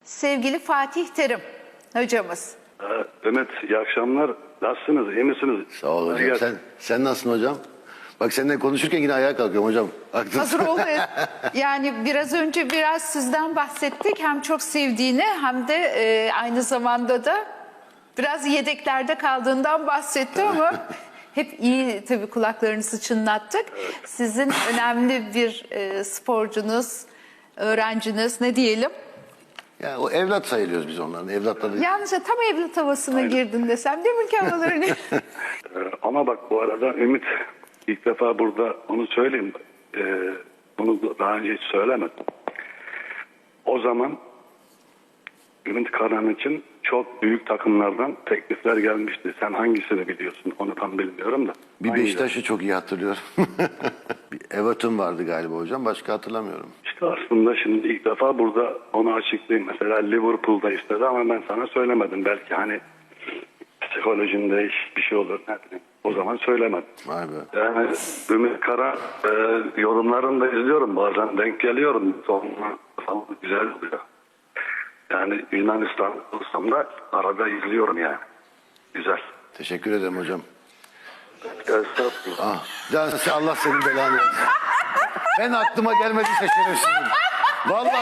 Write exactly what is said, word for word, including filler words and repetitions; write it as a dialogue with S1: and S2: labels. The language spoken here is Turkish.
S1: sevgili Fatih Terim hocamız.
S2: Ee, Ümit, iyi akşamlar. Nasılsınız? İyi misiniz?
S3: Sağ ol hocam.
S2: Gel.
S3: Sen, sen nasılsın hocam? Bak seninle konuşurken yine ayağa kalkıyorum hocam. Aklım-
S1: Hazır olun. Yani biraz önce biraz sizden bahsettik. Hem çok sevdiğini hem de e, aynı zamanda da biraz yedeklerde kaldığından bahsetti ama hep iyi tabii kulaklarınızı çınlattık. Sizin önemli bir e, sporcunuz, öğrenciniz ne diyelim?
S3: Ya o evlat sayılıyoruz biz onların. Evlatları.
S1: Yalnızca tam evlat havasına girdin desem değil mi ki havalarını?
S2: Ee, ama bak bu arada Ümit, ilk defa burada onu söyleyeyim. Ee, bunu daha önce hiç söylemedim. O zaman Ümit Karan için çok büyük takımlardan teklifler gelmişti. Sen hangisini biliyorsun? Onu tam bilmiyorum da.
S3: Bir
S2: Hangi-
S3: Beşiktaş'ı çok iyi hatırlıyorum. Bir Everton vardı galiba hocam. Başka hatırlamıyorum.
S2: İşte aslında şimdi ilk defa burada onu açıklayayım. Mesela Liverpool'da istedi ama ben sana söylemedim. Belki hani psikolojinde iş- bir şey olur. Ne bileyim. O zaman söylemedim.
S3: Vay be.
S2: Yani Ümit Kara e, yorumlarını da izliyorum. Bazen denk geliyorum. Sonra falan güzel oluyor. Yani Yunanistan olsam da arada izliyorum yani. Güzel.
S3: Teşekkür ederim hocam.
S2: Estağfurullah.
S3: Ah, can- Allah senin belanı versin. Ben aklıma gelmedi şerefsizim. Vallahi